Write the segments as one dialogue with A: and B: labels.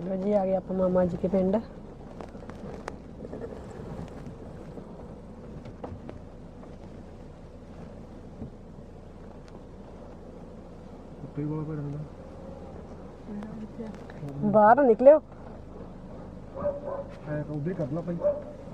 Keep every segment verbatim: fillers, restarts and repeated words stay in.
A: लो जी आ गए आप मामा जी के पिंड। बाहर निकले हो
B: उधर कर ला भाई।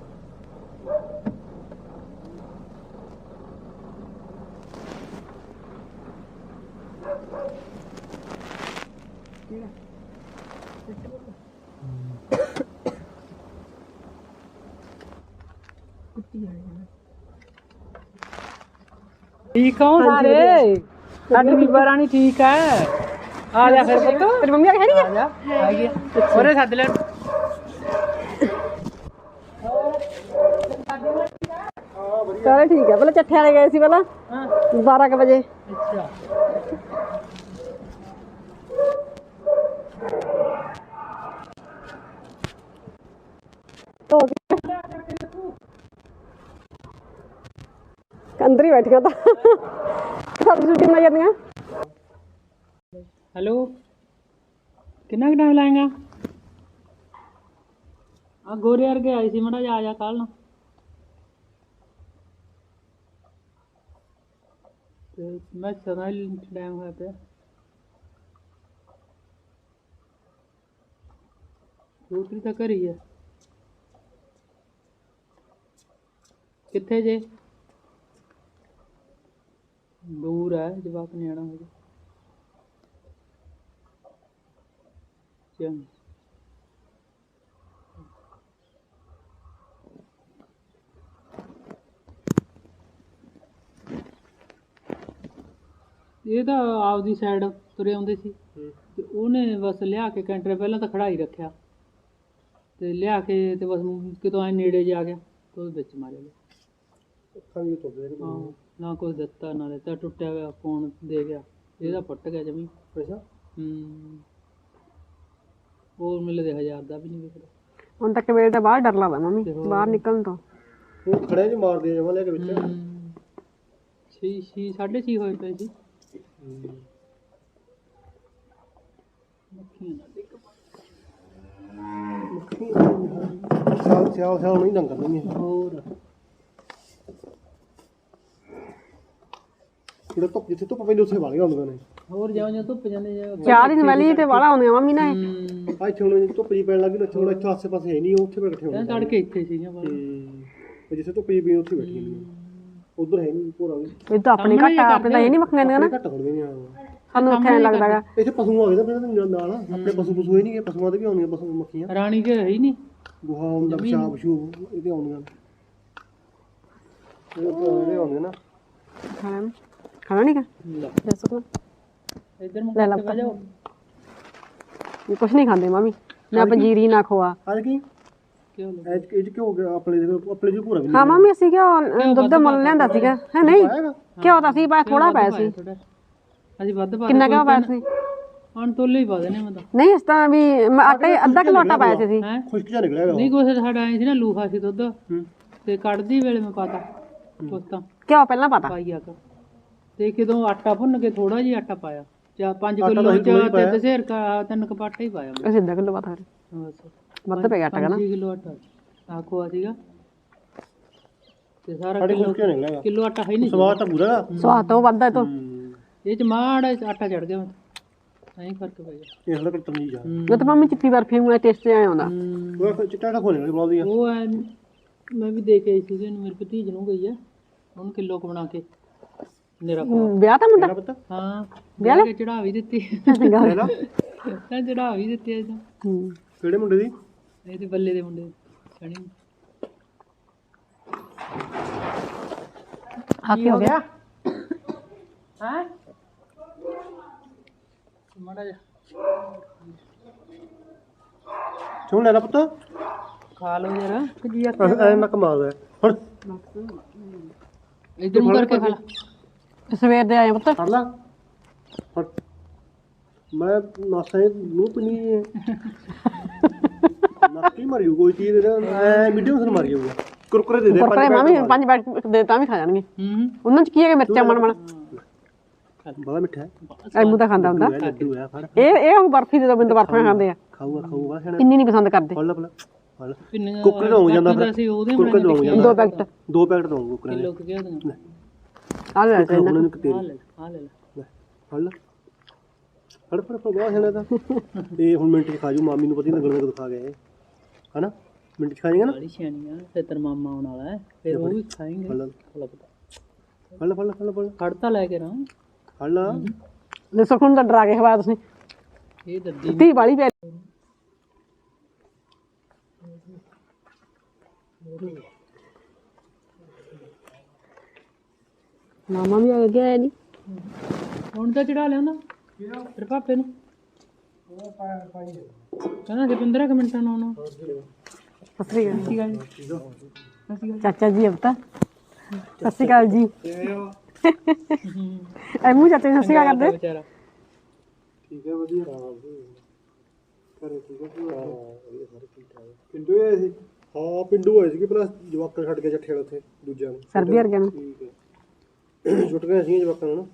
C: ठीक हो सारे साडी बीबा रानी ठीक है। आ जा फिर पुत्त
A: तेरी मम्मी आ गई
C: आ जा आ गया ओरे सद ले
A: चलो ठीक है। पहले चट्ठे वाले गए सी पहला बारह के बजे।
C: अच्छा
A: तो अंदर ही बैठिया था सब्जी सुब्जी बनाई जाती।
C: हेलो कितना टाइम लाएगा? आ गोरे वर्गे आई सी मड़ा जा आ जा कल ना मैं सदा टाइम होया पे दूसरी तो घर ही है। किथे जे दूर है जवाक नहीं आना मुझे। चल ये तो आपदी साइड तुरे आउंदे सी ते ओने बस लिया के कैंटर पहला तो खड़ाई रखिया ते लिया के ते बस कितों ऐ नेड़े जा गया तो विच मारे गए। हाँ ना कोई दिता ना लेता टुटिया गया फोन दे गया ਇਹਦਾ फुट गया जमी पैसा। हम्म और मिले दे हजार ਦਾ भी नहीं विकदा
A: ਹੁਣ ਤੱਕ ਵੇਲੇ ਤਾਂ ਬਾਹਰ ਡਰ ਲੱਗਦਾ ਮੰਮੀ ਬਾਹਰ ਨਿਕਲਣ ਤੋਂ।
B: ਉਹ ਖੜੇ ਚ ਮਾਰਦੇ ਆ ਜਮਾ ਲੈ ਕੇ ਵਿੱਚ
C: ਛੇ ਛੇ ਸਾਢੇ ਛੇ ਹੋਏ ਪਏ ਸੀ। ਮੱਖੀਆਂ ਨਾ ਡਿੱਗ
B: ਸਿਆਲ ਸਿਆਲ ਸਿਆਲ ਨਹੀਂ ਡੰਗਰ ਨਹੀਂ ਹੈ।
C: ਹੋਰ
B: ਜਿਹੜਾ ਧੁੱਪ ਜਿੱਥੇ ਧੁੱਪ ਪੈਂਦੀ ਉੱਥੇ ਵਾਲੀਆਂ ਹੁੰਦੀਆਂ ਨੇ।
C: ਹੋਰ ਜਾਓ ਜਾਂ ਧੁੱਪ ਜਾਂਦੇ ਜਾ
A: ਚਾਹ ਦੀ ਸਮੈਲੀ ਤੇ ਵਾਲਾ ਆਉਂਦੇ ਮੰਮੀ ਨਾ
B: ਆ ਇੱਥੇ ਹੁਣ ਧੁੱਪ ਜੀ ਪੈਣ ਲੱਗੀ ਨਾ ਥੋੜਾ ਇੱਥੇ ਆਸੇ ਪਾਸੇ ਹੈ ਨਹੀਂ ਉੱਥੇ ਬੈਠੇ ਹੋਣੇ।
C: ਤਾਂ ਤੜਕੇ ਇੱਥੇ ਸੀਗੀਆਂ ਬਾਹਰ
B: ਤੇ ਜਿੱਥੇ ਧੁੱਪ ਜੀ ਪਈ ਉੱਥੇ ਬੈਠੀਆਂ ਨੇ। ਉਧਰ ਹੈ ਨਹੀਂ ਪੂਰਾ ਵੀ
A: ਇਹ ਤਾਂ ਆਪਣੇ ਘੱਟ ਆਪਣੇ ਤਾਂ ਇਹ ਨਹੀਂ ਮੱਖੀਆਂ ਨੇ ਨਾ
B: ਘੱਟ ਹੋਣਗੀਆਂ।
A: ਸਾਨੂੰ ਉੱਥੇ ਐਂ ਲੱਗਦਾ ਗਾ
B: ਇੱਥੇ ਪਸ਼ੂ ਆ ਗਏ ਤਾਂ ਫਿਰ ਨਾਲ ਆਪਣੇ ਪਸ਼ੂ ਪਸ਼ੂ ਹੀ ਨਹੀਂ ਗਏ ਪਸ਼ੂਆਂ ਦੇ ਵੀ ਆਉਂਦੀਆਂ ਪਸ਼ੂ ਮੱਖੀਆਂ
C: ਰਾਣੀ ਕੇ ਹੈ ਹੀ ਨਹੀਂ
B: ਗੁਹਾ ਹੁੰਦਾ ਪਿਸ਼ਾਬ ਪਸ਼ੂ ਇਹਦੇ ਆਉਂਦੀਆਂ ਇਹਦੇ ਆਉਂਦੇ ਨਾ।
A: ਖਾਣਾ ਖਾਣਾ ਨਹੀਂ ਕਾ ਦੱਸੋ
C: ਇੱਧਰ ਮੁੜ
A: ਲੈ ਲਾ
C: ਕੇ ਜਾਓ।
A: ਇਹ ਕੁਛ ਨਹੀਂ ਖਾਂਦੇ ਮੰਮੀ ਨਾ ਪੰਜੀਰੀ ਨਾ ਖੋਆ।
B: ਅੱਜ ਕੀ
C: ਕਿਉਂ
B: ਐਜ ਇਹ ਚ ਕਿਉਂ ਗਿਆ ਆਪਣੇ ਦੇ ਆਪਣੇ ਜੋ ਪੂਰਾ ਵੀ
A: ਹਾਂ ਮੰਮੀ ਅਸੀਂ ਕਿਉਂ ਦੁੱਧ ਮੁੱਲ ਲਿਆਂਦਾ ਸੀਗਾ ਹੈ ਨਹੀਂ ਕਿਉਂ ਤਾਂ ਸੀ ਪਾਇਆ ਥੋੜਾ ਪਾਇਆ ਸੀ।
C: ਅਸੀਂ ਵੱਧ ਪਾ
A: ਕਿੰਨਾ ਕਿਉਂ ਪਾਇਆ ਸੀ?
C: ਹੁਣ ਤੋਲੇ ਹੀ ਪਾ ਦੇਣੇ ਮੈਂ ਤਾਂ
A: ਨਹੀਂ ਇਸ ਤਾਂ ਵੀ ਮੈਂ ਆਟੇ ਅੱਧਾ ਕਿਲੋ ਆਟਾ ਪਾਇਆ ਸੀ ਅਸੀਂ।
C: ਹੈ
B: ਖੁਸ਼ਕ ਜਿਹਾ ਨਿਕਲਿਆ
C: ਨਹੀਂ ਕੁਛ ਸਾਡਾ ਆਏ ਸੀ ਨਾ ਲੂਹਾ ਸੀ ਦੁੱਧ ਤੇ ਕੱਢਦੀ ਵੇਲੇ ਮੈਂ ਪਾਤਾ ਕੁਛ ਤਾਂ
A: ਕਿਉਂ ਪਹਿਲਾਂ ਪਤਾ
C: ਪਾਈ ਆ ਕੇ ਤੇ ਕਿਦੋਂ ਆਟਾ ਭੁੰਨ ਕੇ ਥੋੜਾ ਜਿਹਾ ਆਟਾ ਪਾਇਆ ਚਾ ਪੰਜ ਕਿਲੋ ਚ ਤੇ ਦਸੇਰ ਕਾ ਤਿੰਨ ਕਪਾਟਾ ਹੀ ਪਾਇਆ ਮੈਂ।
A: ਅਸੀਂ ਅੱਧਾ ਕਿਲੋ ਪਤਾ
C: ਬਸ
A: ਵੱਧ ਪੈ ਗਿਆ ਆਟਾ ਨਾ
C: ਪੰਜ ਕਿਲੋ ਆਟਾ ਆਖੋ ਸੀਗਾ ਤੇ ਸਾਰਾ
B: ਸਾਡੇ
C: ਕਿਲੋ
B: ਖੁਸ਼ਕ ਜਿਹਾ ਨਿਕਲਿਆ
C: ਕਿਲੋ ਆਟਾ ਹੈ ਨਹੀਂ
B: ਸਵਾਦ ਤਾਂ ਪੂਰਾ ਦਾ
A: ਸਵਾਦ ਤੋਂ ਵੱਧਦਾ ਤੋਂ
C: ਇਹ ਚ ਮਾੜਾ ਆਟਾ ਚੜ ਗਿਆ ਨਹੀਂ ਫਰਕ ਪੈ ਗਿਆ।
B: ਇਹ ਹਲਾ ਕੱਟਣ ਨਹੀਂ ਜਾ
A: ਮੈਂ ਤਾਂ ਮੰਮੀ ਚਿੱਟੀ ਬਰਫੀ ਨੂੰ ਟੇਸਟ ਆਇਆ ਹੁੰਦਾ।
B: ਉਹ ਚਿੱਟਾ ਦਾ ਖੋਲੇ ਬਣਾਉਂਦੀ ਆ
C: ਉਹ ਐ ਮੈਂ ਵੀ ਦੇ ਕੇ ਆਈ ਸੀ ਇਹਨੂੰ ਮੇਰੇ ਭਤੀਜ ਨੂੰ ਗਈ ਆ ਉਹਨੂੰ ਕਿਲੋ ਕੁ ਬਣਾ ਕੇ ਮੇਰਾ
A: ਵਿਆਹ ਤਾਂ ਮੁੰਡਾ
B: ਪਤਾ
C: ਹਾਂ ਵਿਆਹ ਕੇ ਚੜਾ ਵੀ ਦਿੱਤੀ
B: ਲੈ ਲਾ
C: ਤਾਂ ਚੜਾ ਵੀ ਦਿੱਤੀ ਇਹ ਤਾਂ
B: ਕਿਹੜੇ ਮੁੰਡੇ ਦੀ
C: ਇਹ ਤੇ ਬੱਲੇ ਦੇ ਮੁੰਡੇ ਸਣੀ
A: ਹਾਥੀ ਹੋ ਗਿਆ
C: ਹੈ ਮਾੜਾ ਜਿਹਾ
B: ਚੁਣ ਲੈ ਲਾ ਪੁੱਤ
C: ਖਾ ਲਓ ਜਰਾ
A: ਜੀ
B: ਐ ਨਾ ਕਮਾਲ ਹੈ ਹੁਣ
C: ਇਧਰ ਨੂੰ ਕਰਕੇ ਖਾ ਲਾ
A: ਸਵੇਰ ਦੇ ਆਏ ਪੁੱਤ
B: ਫੜ ਲਾ ਫੜ ਮੈਂ ਨਾਸੇ ਨੂੰ ਪਨੀ ਹੈ ਨੱਕੀ ਮਾਰਿਓ ਕੋਈ ਚੀਜ਼ ਦੇ ਐ ਮੀਡੀਅਮ ਸਨ ਮਾਰੀ ਜਾਊਗਾ ਕੁਰਕਰੇ ਦੇ ਦੇ
A: ਕੁਰਕਰੇ ਮਾਮੀ ਪੰਜ ਬੈਗ ਦੇ ਤਾਂ ਵੀ ਖਾ ਜਾਣਗੇ
C: ਹੂੰ
A: ਉਹਨਾਂ ਚ ਕੀ ਹੈਗਾ ਮਿਰਚਾਂ ਮਣ ਮਣ
B: ਬੜਾ ਮਿੱਠਾ ਹੈ
A: ਐਮੂ ਤਾਂ ਖਾਂਦਾ ਹੁੰਦਾ
B: ਲੱਡੂ ਹੈ ਫੜ
A: ਇਹ ਇਹ ਹੁਣ ਬਰਫੀ ਦੇ ਦੋ ਬਿੰਦ ਬਰਫੀਆਂ ਖਾਂਦੇ ਆ
B: ਖਾਊਗਾ ਖਾਊਗਾ ਖਾਣਾ
A: ਇੰਨੀ ਨਹੀਂ ਪਸੰਦ ਕਰਦੇ
B: ਫੜ ਲੈ ਫੜ ਫੜ ਲੈ
C: ਪਿੰਨੀਆਂ
B: ਕੁੱਕਰ ਨੂੰ ਜਾਂਦਾ ਫਿਰ
C: ਅਸੀਂ ਉਹਦੇ
B: ਕੁੱਕਰ ਨੂੰ ਜਾਂਦਾ
A: ਦੋ ਪੈਕਟ
B: ਦੋ ਪੈਕਟ ਦਊਂ ਕੁੱਕਰ ਦੇ
C: ਕਿਲੋ ਕਿ ਉਹਦੇ
A: ਆ ਲੈ ਤੇ
B: ਉਹਨਾਂ ਨੂੰ ਇੱਕ
C: ਆ
B: ਤੇਰੀ
C: ਲੈ ਆ ਲੈ
B: ਲੈ ਫੜ ਲੈ ਫੜ ਫੜ ਫੜ ਬਹੁਤ ਖਾਣਾ ਤਾਂ ਇਹ ਹੁਣ ਮਿੰਟ ਚ ਖਾ ਜੂ ਮਾਮੀ ਨੂੰ ਪਤਾ ਨਹੀਂ ਲੱਗਣਾ ਕਦੋਂ ਖਾ ਗਏ ਹਨਾ ਮਿੰਟ ਚ ਖਾ ਜਾਏਗਾ ਨਾ
C: ਬੜੀ ਸਿਆਣੀ ਆ ਫਿਰ ਤੇਰਾ ਮਾਮਾ ਆਉਣ ਵਾਲਾ ਹੈ ਫਿਰ ਉਹ ਵੀ ਖਾਏਂਗੇ
B: ਫੜ ਲੈ
C: ਲੱਗਦਾ
B: ਫੜ ਲੈ ਫੜ ਲੈ ਫੜ ਲੈ ਫੜ ਲੈ
C: ਖੜਤਾ ਲੈ ਕੇ ਨਾ
B: ਫੜ ਲੈ
A: ਲੈ ਸੁਖਣ ਦਾ ਡਰਾ ਕੇ ਖਵਾਇਆ ਤੁਸੀਂ
C: ਇਹ ਦੱਦੀ
A: ਤੀ ਵਾਲੀ ਪੈ ਮਾਮਾ ਵੀ ਆ ਗਿਆ ਨਹੀਂ
C: ਹੁਣ ਤਾਂ ਚੜਾ ਲਿਆਉਂਦਾ ਤੇਰੇ ਪਾਪੇ ਨੂੰ ਕਹਿੰਦਾ ਕਿ ਪੰਦਰਾਂ ਕੁ ਮਿੰਟਾਂ ਨੂੰ ਆਉਣਾ
A: ਸਤਿ ਸ੍ਰੀ ਅਕਾਲ
C: ਠੀਕ ਹੈ ਜੀ
A: ਚਾਚਾ ਜੀ ਅਬ ਤਾਂ ਸਤਿ ਸ੍ਰੀ ਅਕਾਲ ਜੀ ਐਮੂ ਚਾਚਾ ਜੀ ਸਤਿ ਸ੍ਰੀ ਅਕਾਲ ਕਰਦੇ
C: ਵਿਚਾਰਾ
B: ਠੀਕ ਹੈ ਵਧੀਆ ਕਰੇ ਠੀਕ ਹੈ ਪਿੰਡੂ ਆਏ ਸੀ ਹਾਂ ਪਿੰਡੂ ਆਏ ਸੀ ਕਿ ਪਲੱਸ ਜਵਾਕਾਂ ਛੱਡ ਕੇ ਜੱਠੇ ਵਾਲੇ ਉੱਥੇ ਦੂਜਿਆਂ ਨੂੰ
A: ਸਰਦੀ ਵਰਗਿਆਂ ਨੂੰ
B: ਠੀਕ ਹੈ ਛੁੱਟ ਗਏ ਸੀ ਜਵਾਕਾਂ ਨੂੰ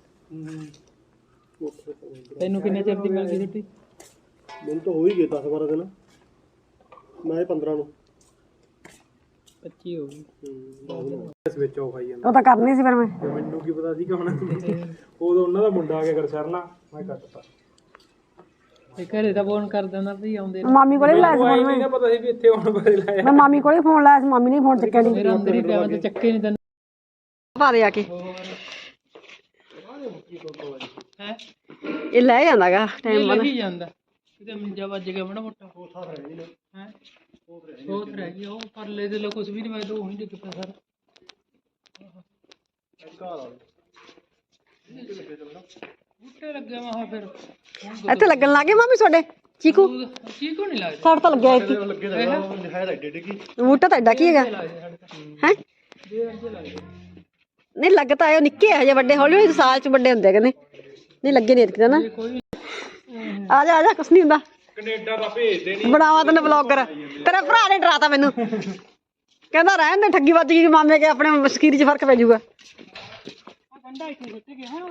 C: ਤੈਨੂੰ ਕਿੰਨੇ ਚਿਰ ਦੀ ਮਿਲ ਗਈ ਛੁੱਟੀ
B: ਮੈਨੂੰ ਤਾਂ ਹੋ ਹੀ ਗਏ ਦਸ ਬਾਰਾਂ ਦਿਨ ਮੈਂ ਪੰਦਰਾਂ ਨੂੰ
C: ਪੱਚੀ ਹੋ ਗਈ
B: ਸਵਿਚ ਆਫ ਆਈ ਜਾਂਦਾ
A: ਉਹ ਤਾਂ ਕਰਨੀ ਸੀ ਫਿਰ ਮੈਂ
B: ਮੈਨੂੰ ਕੀ ਪਤਾ ਸੀ ਕਿ ਹੁਣ ਉਦੋਂ ਉਹਨਾਂ ਦਾ ਮੁੰਡਾ ਆ ਕੇ ਗਰਸ਼ਰਨਾ ਮੈਂ ਕੱਟਤਾ
C: ਤੇ ਘਰੇ ਤਾਂ ਫੋਨ ਕਰ ਦਿੰਦਾ ਵੀ ਆਉਂਦੇ
A: ਮਾਮੀ ਕੋਲੇ ਵੀ ਲਾਇਆ ਸੀ ਫੋਨ ਮੈਂ
B: ਪਤਾ ਸੀ ਵੀ ਇੱਥੇ ਆਉਣ ਬਾਰੇ ਲਾਇਆ
A: ਮੈਂ ਮਾਮੀ ਕੋਲੇ ਫੋਨ ਲਾਇਆ ਸੀ ਮਾਮੀ ਨੇ ਫੋਨ ਚੱਕਿਆ ਨਹੀਂ
C: ਮੇਰਾ ਅੰਦਰ ਹੀ ਪਿਆ ਮੈਂ ਤਾਂ ਚੱਕੇ ਨਹੀਂ ਤੈਨੂੰ
A: ਪਾ ਦੇ ਆ ਕੇ
C: ਹੈ
A: ਇਹ ਲੈ ਜਾਂਦਾਗਾ ਟਾਈਮ ਬਾਅਦ
C: ਲੱਗੀ ਜਾਂਦਾ ਕਿਤੇ ਮੰਜਾ ਵੱਜ ਗਿਆ ਬੜਾ ਮੋਟਾ ਸੋਥ ਰਹਿ ਗਈ ਹੈ ਸੋਥ ਰਹਿ ਗਈ ਉਹ ਪਰਲੇ ਦੇ ਲੋ ਕੁਝ ਵੀ ਨਹੀਂ ਮੈਂ ਉਹੀ ਡਿੱਗ ਪਿਆ ਸਰ ਬੂਟੇ ਲੱਗੇ ਮਹਾ ਫਿਰ
A: ਇੱਥੇ ਲੱਗਣ ਲੱਗੇ ਮਾਮੀ ਤੁਹਾਡੇ ਚੀਕੂ
C: ਚੀਕੂ ਨਹੀਂ ਲੱਗਦਾ
A: ਸਾੜ ਤਾਂ ਲੱਗਿਆ ਇੱਥੇ
B: ਲੱਗੇ ਤਾਂ ਹੈ ਤਾਂ ਏਡੇ ਏਡੇ ਕੀ
A: ਬੂਟਾ ਤਾਂ ਐਡਾ ਕੀ ਹੈਗਾ ਹੈ ਨਹੀਂ ਲੱਗ ਤਾਂ ਆਇਓ ਨਿੱਕੇ ਹਜੇ ਵੱਡੇ ਹੌਲੀ ਹੌਲੀ ਸਾਲ ਚ ਵੱਡੇ ਹੁੰਦੇ ਕਹਿੰਦੇ ਨਹੀਂ ਲੱਗੇ ਨਹੀਂ ਇੱਥੇ ਨਾ ਆ ਜਾ ਆ ਜਾ ਕੁਛ ਨਹੀਂ ਹੁੰਦਾ
B: ਕੈਨੇਡਾ ਦਾ ਭੇਜਦੇ ਨਹੀਂ
A: ਬਣਾਵਾ ਤੈਨੂੰ ਬਲੌਗਰ ਤੇਰੇ ਭਰਾ ਨੇ ਡਰਾਤਾ ਮੈਨੂੰ ਕਹਿੰਦਾ ਰਹਿਣ ਦੇ ਠੱਗੀ ਵੱਜ ਗਈ ਮਾਮੇ ਕੇ ਆਪਣੇ ਮਸਕੀਰੀ ਚ ਫਰਕ ਪੈ ਜਾਊਗਾ
C: ਠੰਡਾ ਇੱਥੇ ਸੁੱਟ ਗਿਆ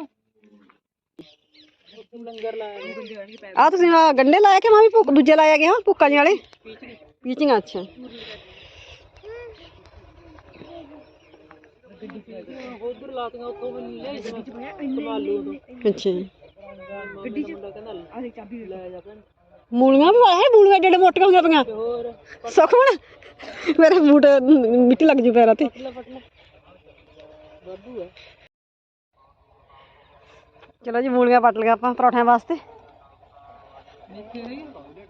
C: ਲੰਗਰ ਲਾਇਆ
A: ਆ ਤੁਸੀਂ ਆਹ ਗੰਡੇ ਲਾਇਆ ਕਿ ਮਾਮੀ ਭੁੱਕ ਦੂਜੇ ਲਾਇਆ ਗਿਆ ਭੁੱਕਾਂ ਜਿਹੇ ਵਾਲੇ ਪੀਚਿੰਗ ਅੱਛਾ
C: ਉਧਰ ਲਾਤੀਆਂ ਉੱਥੋਂ ਵੀ ਲੈ ਸੰਭਾਲੂ ਉਦੋਂ
A: ਅੱਛਾ ਜੀ
C: ਗੱਡੀ ਚ ਕਹਿੰਦਾ ਆ ਚਾਬੀ ਲੈ ਜਾ ਭੈਣ
A: ਮੂਲੀਆਂ ਵੀ ਵਾਲੇ ਮੂਲੀਆਂ ਏਡੇ ਏਡੇ ਮੋਟੀਆਂ ਹੋਈਆਂ ਪਈਆਂ
C: ਤੇ ਹੋਰ
A: ਸੁਖਮਣ ਮੇਰੇ ਬੂਟ ਮਿੱਟੀ ਲੱਗ ਜੂ ਪੈਰਾਂ ਤੇ
C: ਪਟਲਾ ਪਟਲਾ ਵਾਧੂ ਹੈ
A: ਚਲੋ ਜੀ ਮੂਲੀਆਂ ਪੱਟ ਲਿਆ ਆਪਾਂ ਪਰੌਠਿਆਂ ਵਾਸਤੇ
C: ਦੇਖੇ ਰਹੀ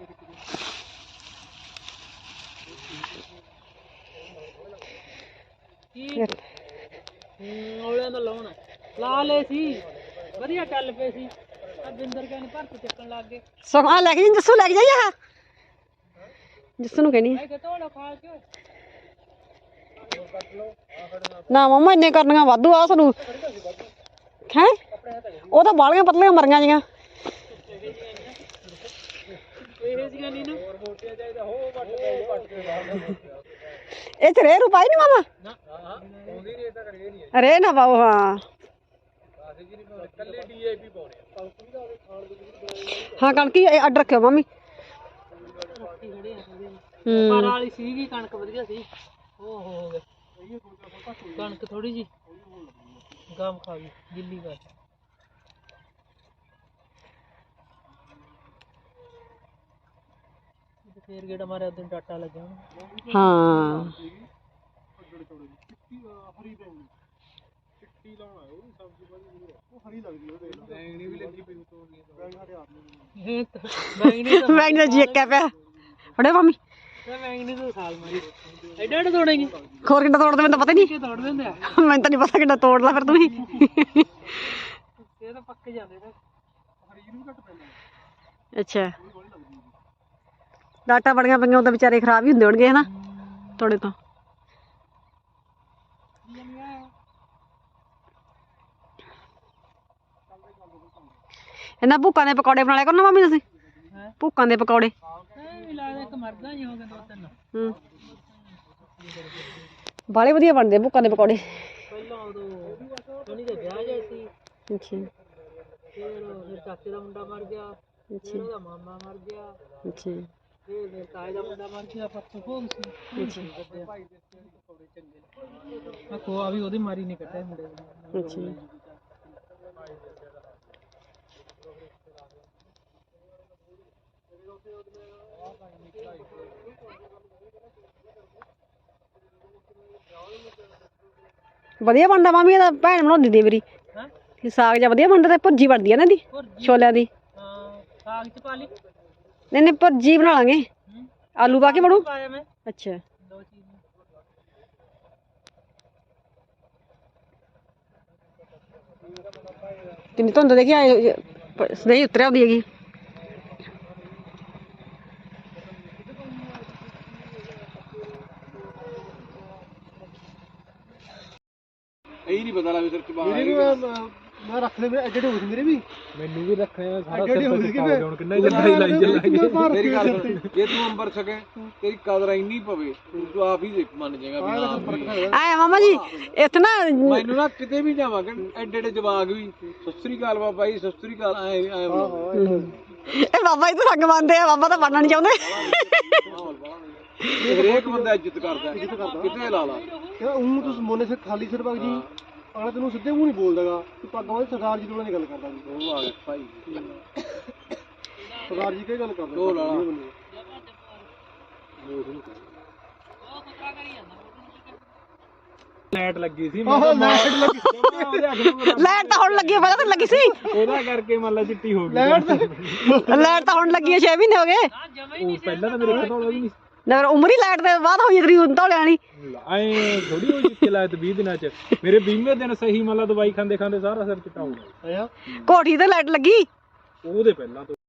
C: ਕੀ ਔਲਿਆਂ ਦਾ ਲਾਉਣਾ ਲਾ ਲਏ ਸੀ ਵਧੀਆ ਚੱਲ ਪਏ ਸੀ ਆ ਬਿੰਦਰ ਕਹਿੰਦੇ ਭਰਤ ਚੱਕਣ ਲੱਗ ਗਏ
A: ਸੁਖਮਣ ਲੈ ਕੇ ਜੀ ਜੱਸੂ ਲੈ ਕੇ ਜਾਈ ਆ ਜੱਸੂ ਨੂੰ ਕਹਿਣੀ
C: ਮੈਂ ਕਿਹਾ ਤੋੜਾ ਖਾ ਕੇ
A: ਨਾ ਮਮਾ ਇੰਨੇ ਕਰਨੀਆਂ ਵਾਧੂ ਆ ਸਾਨੂੰ ਹੈ ਉਹ ਤਾਂ ਬਾਲੀਆਂ ਪਤਲੀਆਂ ਮਰੀਆਂ ਜੀਆਂ
C: ਇਹ ਜੀਆਂ ਨਹੀਂ ਨਾ
A: ਇਹ ਚ ਰੇ ਰੁਪਾਈ ਨਹੀਂ ਮਾਮਾ
C: ਨਾ ਹਾਂ ਆਉਂਦੀ ਨਹੀਂ ਤਾਂ ਕਰੇ ਨਹੀਂ
A: ਰੇ ਨਾ ਪਾਓ ਹਾਂ
C: ਕੱਲੇ ਡੀਏਪੀ ਪਾਉਣੇ
A: ਹਾਂ ਕਣਕੀ ਅੱਡ ਰੱਖਿਓ ਮਾਮੀ
C: ਪਰ ਵਾਲੀ ਸੀਗੀ ਕਣਕ ਵਧੀਆ ਸੀ ਓ ਹੋ ਗਿਆ ਕਣਕ ਥੋੜੀ ਜੀ ਗਾਮ ਖਾ ਗਈ ਗਿੱਲੀ ਕਰ ਫੇਰ ਗੇੜਾ ਮਾਰਿਆ ਉਦੋਂ ਡਾਟਾ ਲੱਗਿਆ
A: ਹਾਂ
B: ਹਰੀ ਬੈਂਗਣੀ ਚਿੱਟੀ ਲਾਉਣਾ ਉਹ ਵੀ ਸਬਜ਼ੀ ਬੜੀ ਉਹ ਹਰੀ ਲੱਗਦੀ ਉਹ ਦੇਖ ਬੈਂਗਣੀ ਵੀ ਲੱਗੀ ਪਈ ਉਤੋਂ ਬੈਂਗਣੀ ਸਾਡੇ ਆਪ ਨੂੰ
C: ਇਹ ਤਾਂ ਬੈਂਗਣੀ ਤਾਂ
A: ਮੈਂ ਨਾ ਜੀ ਇੱਕਾ ਪਿਆ ਫੜੇ ਮਾਮੀ
C: ਮੈਂ ਬੈਂਗਣੀ ਤੋਂ ਸਾਲ ਮਾਰੀ ਐਡਾ ਐਡਾ ਤੋੜੇਂਗੇ
A: ਖੋਰ ਕਿੱਦਾਂ ਤੋੜਦੇ ਮੈਨੂੰ ਤਾਂ ਪਤਾ ਨਹੀਂ
C: ਕਿ ਤੋੜ ਦਿੰਦੇ ਆ
A: ਮੈਨੂੰ ਤਾਂ ਨਹੀਂ ਪਤਾ ਕਿੱਦਾਂ ਤੋੜ ਲਾ ਫਿਰ ਤੁਸੀਂ
C: ਇਹ ਤਾਂ ਪੱਕ ਜਾਂਦੇ ਤਾਂ
B: ਹਰੀ ਨੂੰ ਘੱਟ ਪੈਂਦਾ
A: ਅੱਛਾ ਡਾਟਾ ਬੜੀਆਂ ਪਈਆਂ ਉਹ ਤਾਂ ਵਿਚਾਰੇ ਖਰਾਬ ਹੀ ਹੁੰਦੇ ਹੋਣਗੇ ਹਨਾ ਤੋੜੇ ਤੋਂ ਇਹਨਾਂ ਭੁੱਕਾਂ ਦੇ ਪਕੌੜੇ ਬਣਾ ਲਿਆ ਕਰੋ ਨਾ ਮਾਮੀ ਤੁਸੀਂ ਭੁੱਕਾਂ ਦੇ ਪਕੌੜੇ
C: ਇਹ ਵੀ ਲੱਗਦਾ ਇੱਕ ਮਰਦਾ ਹੀ ਹੋ ਗਿਆ ਦੋ ਤਿੰਨ
A: ਹੂੰ ਬਾਲੇ ਵਧੀਆ ਬਣਦੇ ਭੁੱਕਾਂ ਦੇ ਪਕੌੜੇ
C: ਪਹਿਲਾਂ ਉਦੋਂ ਸੋਨੀ ਦਾ ਵਿਆਹ ਜਿਹਾ ਸੀ
A: ਅੱਛਾ
C: ਫਿਰ ਮੇਰੇ ਚਾਚੇ ਦਾ ਮੁੰਡਾ ਮਰ ਗਿਆ, ਫਿਰ ਉਹਦਾ ਮਾਮਾ ਮਰ ਗਿਆ,
A: ਅੱਛਾ
C: ਫਿਰ ਮੇਰੇ ਤਾਏ ਦਾ ਮੁੰਡਾ ਮਰ ਗਿਆ, ਪਰਸੋਂ ਭੋਗ ਸੀ। ਅੱਛਾ ਮੈਂ ਖੋਆ ਵੀ ਉਹਦੀ ਮਾਰੀ ਨਹੀਂ ਕੱਢਿਆ ਮੁੰਡੇ ਨੇ।
A: ਅੱਛਾ ਵਧੀਆ ਬਣਦਾ ਮਾਮੀ ਇਹਦਾ, ਭੈਣ ਬਣਾਉਂਦੀ ਦੀ ਮੇਰੀ
C: ਹੈਂ?
A: ਇਹ ਸਾਗ ਜਿਹਾ ਵਧੀਆ ਬਣਦਾ ਤੇ ਭੁਰਜੀ ਬਣਦੀ ਆ ਨਾ ਇਹਦੀ
C: ਭੁਰਜੀ?
A: ਛੋਲਿਆਂ ਦੀ।
C: ਹਾਂ ਸਾਗ ਚ ਪਾ ਲਈ।
A: ਨਹੀਂ ਨਹੀਂ ਭੁਰਜੀ ਬਣਾ ਲਾਂਗੇ,
C: ਹੂੰ
A: ਆਲੂ ਪਾ ਕੇ ਬਣੂ।
C: ਪਾਇਆ ਮੈਂ
A: ਅੱਛਾ
C: ਦੋ ਚੀਜ਼
A: ਕਿੰਨੀ ਧੁੰਦ ਦੇਖੀ ਆਏ ਸਹੀ ਉਤਰਿਆ ਆਉਂਦੀ ਹੈਗੀ।
B: ਇਹ ਨਹੀਂ ਪਤਾ ਲੱਗਦਾ ਸਿਰ ਚ ਬਾਹਰ ਮੇਰੇ ਵੀ ਮੈਂ ਰੱਖ ਲੈ ਮੇਰੇ ਐਡੇ ਹੋ ਗਏ ਮੇਰੇ ਵੀ ਮੈਨੂੰ ਵੀ ਰੱਖਣੇ ਸਾਰਾ ਸਿਰ ਤੇ ਚਿਪਾ ਹੁਣ ਕਿੰਨਾ ਜੱਦਾ ਹੀ ਲਾਈ ਚੱਲਾਂਗੇ। ਮੇਰੀ ਗੱਲ ਸੁਣ, ਜੇ ਤੂੰ ਅੰਬਰ ਸਕੇ ਤੇਰੀ ਕਦਰ ਇੰਨੀ ਪਵੇ ਤੂੰ ਆਪ ਹੀ ਮੰਨ ਜਾਏਗਾ ਵੀ ਹਾਂ ਫਰਕ
A: ਆਏ ਮਾਮਾ ਜੀ ਇੱਥੇ ਨਾ
B: ਮੈਨੂੰ ਨਾ ਕਿਤੇ ਵੀ ਜਾਵਾਂਗੇ ਐਡੇ ਐਡੇ ਜਵਾਗ ਵੀ ਸਤਿ ਸ੍ਰੀ ਅਕਾਲ ਬਾਬਾ ਜੀ ਸਤਿ ਸ੍ਰੀ ਅਕਾਲ ਐ ਐ
A: ਇਹ ਬਾਬਾ ਜੀ ਤਾਂ ਸੰਗ ਮੰਨਦੇ ਆ, ਬਾਬਾ ਤਾਂ ਬਣਨਾ ਨਹੀਂ ਚਾਹੁੰਦੇ।
B: ਹਰੇਕ ਬੰਦਾ ਇੱਜ਼ਤ ਕਰਦਾ ਕਿਤੇ ਲਾ ਲਾ ਉਹ ਤੂੰ ਮੋਨੇ ਸਿਰ ਖਾਲੀ ਸਿਰ ਵਗ ਜੀ ਆਲਾ ਤੈਨੂੰ ਸਿੱਧੇ ਮੂੰਹ ਨਹੀਂ ਬੋਲਦਾਗਾ ਤੂੰ ਪੱਗ ਵਾਲੇ ਸਰਦਾਰ ਜੀ ਕੋਲ ਨਹੀਂ ਗੱਲ ਕਰਦਾ ਜੀ। ਉਹ ਆ ਗਿਆ ਭਾਈ ਸਰਦਾਰ ਜੀ ਕੀ ਗੱਲ ਕਰਦਾ ਉਹ ਲਾ ਲਾਈਟ ਲੱਗੀ ਸੀ ਮੈਂ ਲਾਈਟ ਲੱਗੀ
A: ਲਾਈਟ ਤਾਂ ਹੁਣ ਲੱਗੀ, ਪਹਿਲਾਂ ਤਾਂ ਲੱਗੀ ਸੀ।
B: ਉਹਦਾ ਕਰਕੇ ਮੰਨ ਲਾ ਚਿੱਟੀ ਹੋ ਗਈ ਲਾਈਟ
A: ਲਾਈਟ ਤਾਂ ਹੁਣ ਲੱਗੀ ਹੈ, ਛੇ ਮਹੀਨੇ ਹੋ ਗਏ।
B: ਉਹ ਪਹਿਲਾਂ ਤਾਂ ਮੇਰੇ ਕੋਲ ਧੌਲਾ ਵੀ ਨਹੀਂ
A: ਨਾ ਉਮਰ ਹੀ ਲਾਈਟ ਦੇ ਬਾਅਦ ਹੋਈ ਤੇਰੀ ਧੌਲੇ ਵਾਲੀ।
B: ਐ ਥੋੜੀ ਹੋਈ ਜਿੱਥੇ ਲਾਇਤ ਵੀਹ ਦਿਨਾਂ ਚ ਮੇਰੇ ਵੀਹਵੇਂ ਦਿਨ ਸਹੀ ਮੰਨ ਲਾ ਦਵਾਈ ਖਾਂਦੇ ਖਾਂਦੇ ਸਾਰਾ ਸਿਰ ਚਿੱਟਾ ਹੋ ਗਿਆ।
A: ਕੋਠੀ ਤੇ ਲਾਈਟ ਲੱਗੀ
B: ਉਹਦੇ ਪਹਿਲਾਂ ਤੋਂ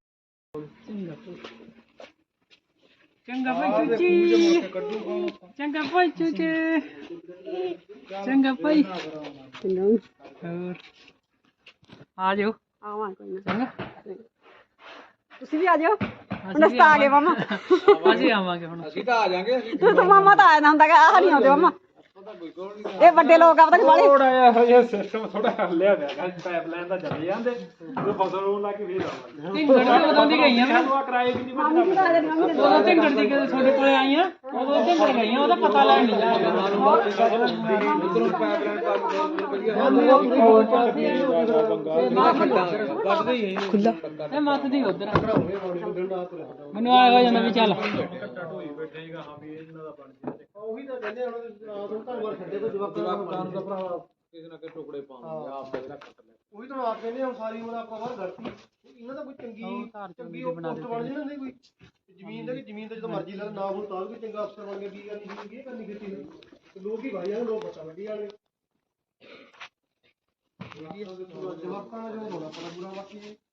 C: ਚੰਗਾ ਭਾਈ ਚੂਚੀ, ਚੰਗਾ ਭਾਈ ਚੂਚੀ, ਚੰਗਾ ਭਾਈ। ਹੋਰ ਆ ਜਾਓ।
A: ਆਵਾਂ ਕੋਈ ਨਾ,
C: ਚੰਗਾ
A: ਤੁਸੀਂ ਵੀ ਆ ਜਾਓ। ਹੁਣ ਅਸੀਂ ਤਾਂ ਆ ਗਏ ਮਾਮਾ,
C: ਅਸੀਂ ਆਵਾਂਗੇ ਹੁਣ।
B: ਅਸੀਂ ਤਾਂ ਆ ਜਾਾਂਗੇ ਅਸੀਂ
A: ਮਾਮਾ ਤਾਂ ਆਇਆ ਨਾ ਹੁੰਦਾ, ਆਹ ਨਹੀਂ ਆਉਂਦੇ ਮਾਮਾ। ਇਹ ਵੱਡੇ ਲੋਕ ਆ ਪਤਾ ਨਹੀਂ ਵਾਲੇ।
B: ਥੋੜਾ ਜਿਹਾ ਹਜੇ ਸਿਸਟਮ ਥੋੜਾ ਹੱਲਿਆ ਪਿਆ ਪਾਈਪਲਾਈਨ ਦਾ ਚੱਲ ਜਾਂਦੇ ਉਹ ਫਸਲ ਨੂੰ ਲਾ ਕੇ ਫੇਰ ਆਵਾਂਗੇ।
C: ਢਿੰਗੜ ਉਦੋਂ ਦੀ ਗਈਆਂ ਮੈਂ,
B: ਸਾਨੂੰ ਆ ਕਿਰਾਏ ਵੀ ਨਹੀਂ
A: ਮਾਮੀ ਵੀ ਤਾਂ ਆ ਜਾਣੀ, ਮਾਮੀ ਦੇ
C: ਉਦੋਂ ਢਿੰਗੜ ਦੀ ਕਦੇ ਤੁਹਾਡੇ ਕੋਲੇ ਆਈਆਂ, ਉਦੋਂ ਢਿੰਗੜ ਗਈਆਂ, ਉਹਦਾ ਪਤਾ ਲੈਣ ਨਹੀਂ ਜਾਇਆ।
A: ਖੁੱਲਾ
C: ਇਹ ਮੱਤ ਦੀ ਉਧਰ ਮੈਨੂੰ ਆਇਆ ਹੋ ਜਾਂਦਾ ਵੀ ਚੱਲ।
B: ਉਹੀ ਤਾਂ ਕਹਿੰਦੇ ਹੁਣ ਰਾਤ ਨੂੰ ਧੰਨਵਾਦ ਛੱਡੇ ਤੋਂ ਜਵਾਕਾਂ ਨੂੰ ਦਾ ਭਰਾ ਕਿਸੇ ਨਾ ਕਿਸੇ ਟੁਕੜੇ ਪਾਉਂਦੇ ਆਪ ਦੇ ਰੱਖ ਲੈ। ਉਹੀ ਤਾਂ ਆਪ ਕਹਿੰਦੇ ਹੁਣ ਸਾਰੀ ਉਮਰ ਆਪਾਂ ਬਾਹਰ ਗਲਤੀ ਇਹਨਾਂ ਦਾ ਕੋਈ ਚੰਗੀ ਚੰਗੀ ਪੋਸਟ ਬਣ ਜੇ ਨਾ ਕੋਈ ਜ਼ਮੀਨ ਦਾ ਕਿ ਜ਼ਮੀਨ ਤੇ ਜਦੋਂ ਮਰਜ਼ੀ ਲੈ ਨਾ ਹੁਣ ਤਾਂ ਵੀ ਚੰਗਾ ਅਫਸਰ ਬਣ ਕੇ ਕੀ ਕਰਨੀ ਸੀ ਇਹ ਕਰਨੀ ਕੀਤੀ ਤੇ ਲੋਕ ਹੀ ਭਾਈ ਆ ਲੋਕ ਪਤਾ ਲੱਗੀ ਵਾਲੇ ਜਵਾਕਾਂ ਦਾ ਜੋ ਹੋਣਾ ਪੜਾ ਬੁਰਾ ਬਾਕੀ